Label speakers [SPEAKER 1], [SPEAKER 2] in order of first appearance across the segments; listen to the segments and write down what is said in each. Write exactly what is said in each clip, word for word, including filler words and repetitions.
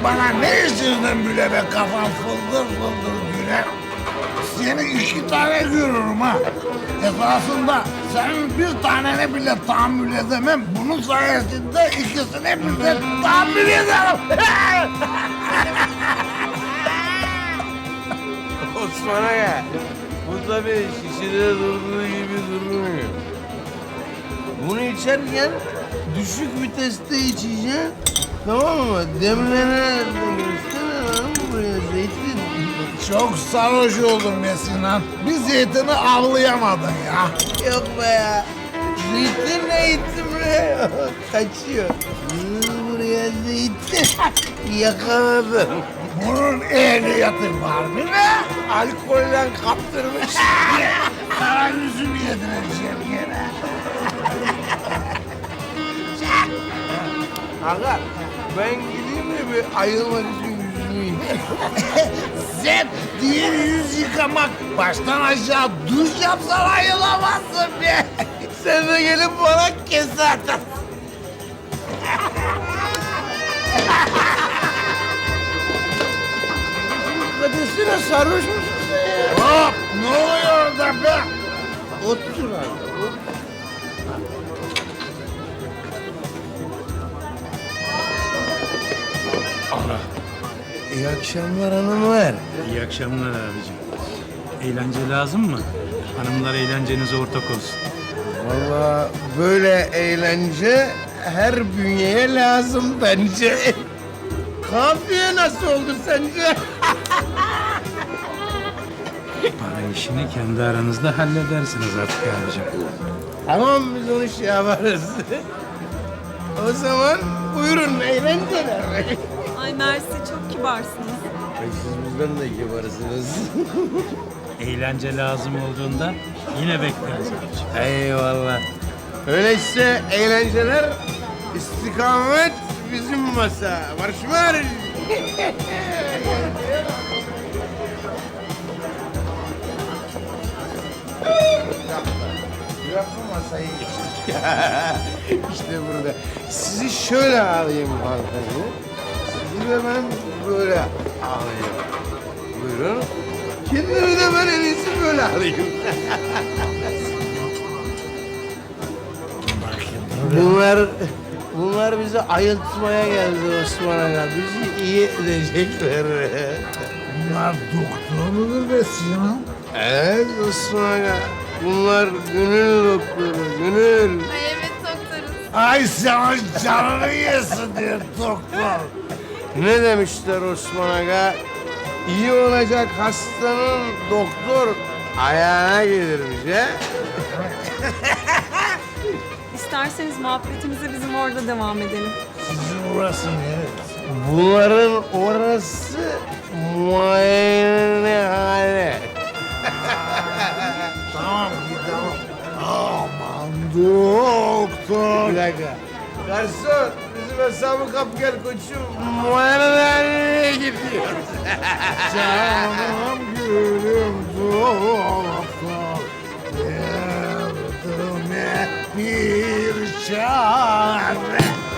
[SPEAKER 1] bana ne içirdin bile be kafam fıldır fıldır güne. Seni iki tane görürüm ha. Esasında senin bir tanene bile tahammül edemem. Bunun sayesinde ikisine bile tahammül ederim.
[SPEAKER 2] Osman Aga, bu tabii şişede durduğu gibi durmuyor. Bunu içerken düşük viteste içeceksin, tamam mı? Demlene görsene lan buraya zeytin.
[SPEAKER 1] Çok sarhoş oldum be Sinan. Bir zeytini avlayamadın ya.
[SPEAKER 2] Yok be ya. Zeytin zeytin buraya. Kaçıyor. Yürü buraya zeytin. Yakaladım.
[SPEAKER 1] Bunun ehliyeti var mı ne?
[SPEAKER 2] Alkolden kaptırmış.
[SPEAKER 1] Kara yüzüm yedireceğim yine.
[SPEAKER 2] Aga, ben gideyim mi bir ayılmak için yüzümü yıkayayım?
[SPEAKER 1] Sen diğer yüz yıkamak baştan aşağı duş yapsan ayılamazsın be.
[SPEAKER 2] Sen de gelip bana kese atarsın. Kadesine sarhoş musun sen ya?
[SPEAKER 1] Hop ne oluyor orada be?
[SPEAKER 2] Otur abi. İyi akşamlar hanımlar.
[SPEAKER 3] İyi akşamlar abicim. Eğlence lazım mı? Hanımlar eğlencenize ortak olsun.
[SPEAKER 2] Vallahi böyle eğlence her bünyeye lazım bence. Kafiye nasıl oldu sence?
[SPEAKER 3] Para işini kendi aranızda halledersiniz artık abicim.
[SPEAKER 2] Tamam biz onu şey yaparız. O zaman buyurun eğlenceler.
[SPEAKER 4] Ay Mersi çok kibarsınız.
[SPEAKER 2] Ay siz bizden de kibarsınız.
[SPEAKER 3] Eğlence lazım olduğunda yine bekleriz abicim.
[SPEAKER 2] Eyvallah. Öyleyse eğlenceler istikamet bizim masa. Marş marş. Yapma masayı geçtik. İşte burada. Sizi şöyle alayım hanımefendi. Sizi de ben böyle alayım. Buyurun. Kendimi de ben en iyisi böyle alayım. Bunlar, bunlar bizi ayıltmaya geldi Osman Aga. Bizi iyi edecekler.
[SPEAKER 1] Bunlar doktor mudur be Sinan?
[SPEAKER 2] Evet Osman Aga. Bunlar gönül doktoru, gönül.
[SPEAKER 4] Ay evet doktoruz.
[SPEAKER 1] Ay sen canını yesin diye doktor.
[SPEAKER 2] Ne demişler Osman Aga? İyi olacak hastanın doktor ayağına gelirmiş he?
[SPEAKER 4] İsterseniz muhabbetimize bizim orada devam edelim.
[SPEAKER 1] Sizin orası neresi?
[SPEAKER 2] Bunların orası muayenehane.
[SPEAKER 1] Tamam gidelim. Aman doktor.
[SPEAKER 2] Bir dakika. Garson, bizim hesabı kap gel koçum. Muayenehaneye gidiyoruz.
[SPEAKER 1] Canım gülüm doktor. Derdime bir çare.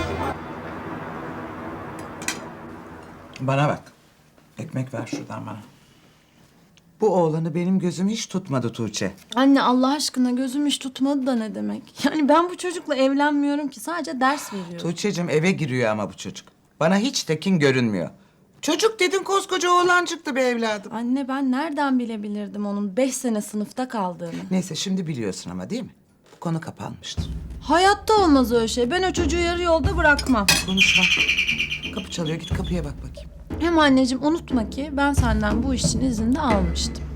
[SPEAKER 5] Bana bak. Ekmek ver şuradan bana. Bu oğlanı benim gözüm hiç tutmadı Tuğçe.
[SPEAKER 6] Anne Allah aşkına gözüm hiç tutmadı da ne demek? Yani ben bu çocukla evlenmiyorum ki sadece ders veriyorum.
[SPEAKER 5] Tuğçe'cim eve giriyor ama bu çocuk. Bana hiç tekin görünmüyor. Çocuk dedin koskoca oğlan çıktı be evladım.
[SPEAKER 6] Anne ben nereden bilebilirdim onun beş sene sınıfta kaldığını?
[SPEAKER 5] Neyse şimdi biliyorsun ama değil mi? Bu konu kapanmıştır.
[SPEAKER 6] Hayatta olmaz öyle şey. Ben o çocuğu yarı yolda bırakmam.
[SPEAKER 5] Konuşma. Kapı çalıyor git kapıya bak bakayım.
[SPEAKER 6] Hem anneciğim unutma ki ben senden bu iş için izin de almıştım.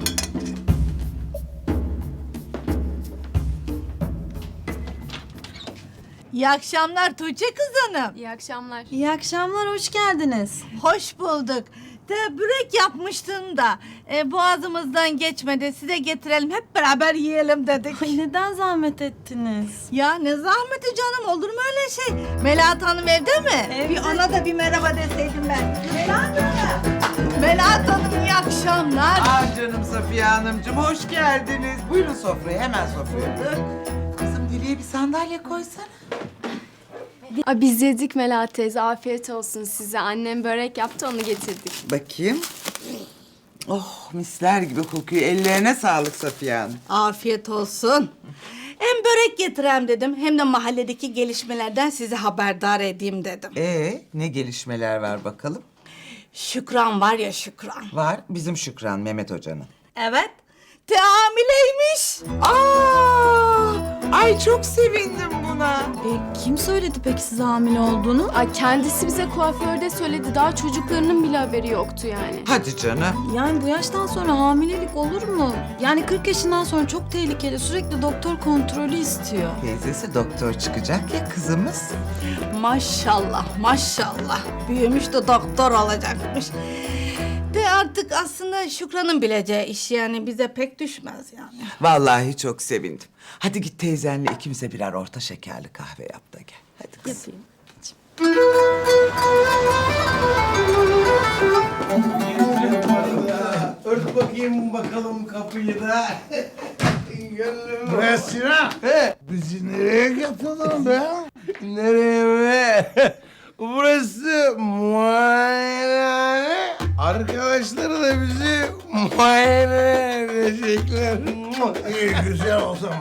[SPEAKER 7] İyi akşamlar Tuğçe kız hanım.
[SPEAKER 4] İyi akşamlar.
[SPEAKER 6] İyi akşamlar, hoş geldiniz.
[SPEAKER 7] Hoş bulduk. De börek yapmıştın da e, boğazımızdan geçmedi. Size getirelim hep beraber yiyelim dedik.
[SPEAKER 6] Ay neden zahmet ettiniz?
[SPEAKER 7] Ya ne zahmeti canım, olur mu öyle şey? Melahat Hanım evde mi?
[SPEAKER 6] Evde.
[SPEAKER 7] Bir ona da bir merhaba deseydim ben. Melahat Hanım. Melahat Hanım iyi akşamlar.
[SPEAKER 5] Ah canım Safiye Hanımcığım hoş geldiniz. Buyurun sofraya hemen sofraya. Kızım Dilek'e bir sandalye koysana.
[SPEAKER 8] Ay, biz yedik Melahat teyze. Afiyet olsun size. Annem börek yaptı, onu getirdik.
[SPEAKER 5] Bakayım. Oh misler gibi kokuyor. Ellerine sağlık Safiye Hanım.
[SPEAKER 7] Afiyet olsun. Hem börek getireyim dedim hem de mahalledeki gelişmelerden sizi haberdar edeyim dedim.
[SPEAKER 5] Ee ne gelişmeler var bakalım?
[SPEAKER 7] Şükran var ya Şükran.
[SPEAKER 5] Var bizim Şükran Mehmet Hoca'nın.
[SPEAKER 7] Evet. Te hamileymiş.
[SPEAKER 5] Aa! Ay çok sevindim buna.
[SPEAKER 6] E, kim söyledi peki size hamile olduğunu?
[SPEAKER 8] Ay, kendisi bize kuaförde söyledi. Daha çocuklarının bile haberi yoktu yani.
[SPEAKER 5] Hadi canım.
[SPEAKER 6] Yani bu yaştan sonra hamilelik olur mu? Yani kırk yaşından sonra çok tehlikeli. Sürekli doktor kontrolü istiyor.
[SPEAKER 5] Teyzesi doktor çıkacak ya kızımız.
[SPEAKER 7] Maşallah maşallah. Büyümüş de doktor olacakmış. De artık aslında Şükran'ın bileceği iş yani bize pek düşmez yani.
[SPEAKER 5] Vallahi çok sevindim. Hadi git teyzenle ikimize birer orta şekerli kahve yap da gel. Hadi kızım.
[SPEAKER 2] Ört bakayım bakalım kapıyı da. Gönlüm.
[SPEAKER 1] Bre Sinan,
[SPEAKER 2] He,
[SPEAKER 1] bizi nereye getirdin be?
[SPEAKER 2] nereye be? Burası muayenehane. Arkadaşları da bizi muayene edecekler.
[SPEAKER 1] İyi güzel o zaman.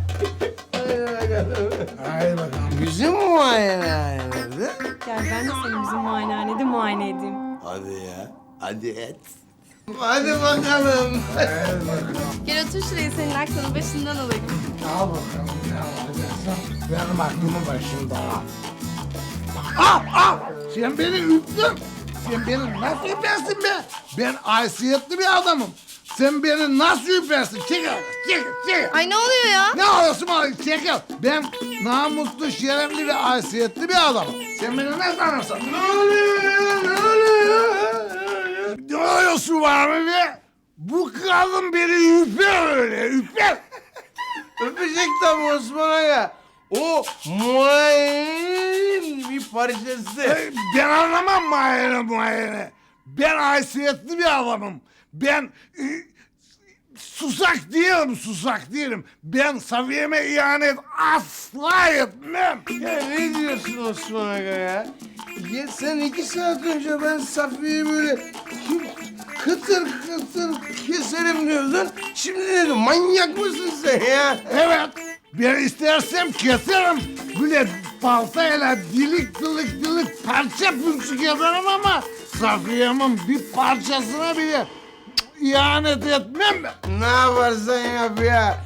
[SPEAKER 1] Hadi bakalım.
[SPEAKER 2] Bizim muayenehane nerede?
[SPEAKER 4] Gel ben de seni bizim muayenehanede muayene edeyim.
[SPEAKER 2] Hadi ya. Hadi et. Hadi bakalım.
[SPEAKER 8] Gel otur şuraya, senin aklının başından alayım.
[SPEAKER 1] Al bakalım ne alacaksın? Benim aklımın başında. Ah ah! Sen beni üptün. Sen beni nasıl üpersin be? Ben haysiyetli bir adamım. Sen beni nasıl üpersin? Çekil, çekil, çekil.
[SPEAKER 8] Ay, ne oluyor ya?
[SPEAKER 1] Ne oluyorsun bana? Çekil. Ben namuslu, şerefli ve haysiyetli bir adamım. Sen beni ne sanırsın? Ne oluyor ya? Ne oluyor? Ne oluyorsun var mı be? Bu kadın beni üper öyle, üper.
[SPEAKER 2] Öpecek tabii Osman Aga. O muayenenin bir parçası.
[SPEAKER 1] Ee, Ben anlamam muayene muayene. Ben haysiyetli bir adamım. Ben e, susak değilim, susak değilim. Ben Safiye'me ihanet asla etmem.
[SPEAKER 2] Ya ne diyorsun Osman Aga ya? Ya sen iki saat önce ben Safiye'yi böyle kıtır kıtır keserim diyordun. Şimdi ne diyorsun? Manyak mısın sen ya?
[SPEAKER 1] Evet, ben istersem keserim. Böyle baltayla dilik dilik dilik parça pümçük ederim ama Safiye'min bir parçasına bile ihanet etmem ben.
[SPEAKER 2] Ne yaparsan yap ya.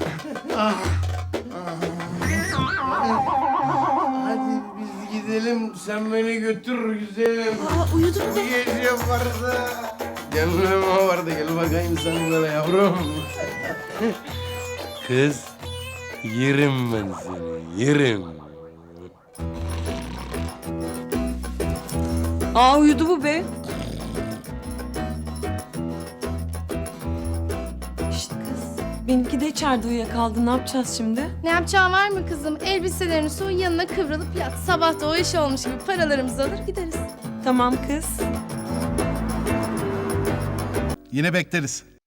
[SPEAKER 2] Hadi biz gidelim, sen beni götür güzelim.
[SPEAKER 6] Aa, uyudun
[SPEAKER 2] Bu gece varsa... Gönlüm vardı, gel bakayım sen böyle yavrum. Kız, yerim ben seni, yerim.
[SPEAKER 4] Aa uyudu bu be. Şşt kız. Benimki de içeride uyuyakaldı. Ne yapacağız şimdi?
[SPEAKER 8] Ne yapacağın var mı kızım? Elbiselerini soy, yanına kıvrılıp yat. Sabah da o iş olmuş gibi paralarımızı alır gideriz.
[SPEAKER 4] Tamam kız.
[SPEAKER 9] Yine bekleriz.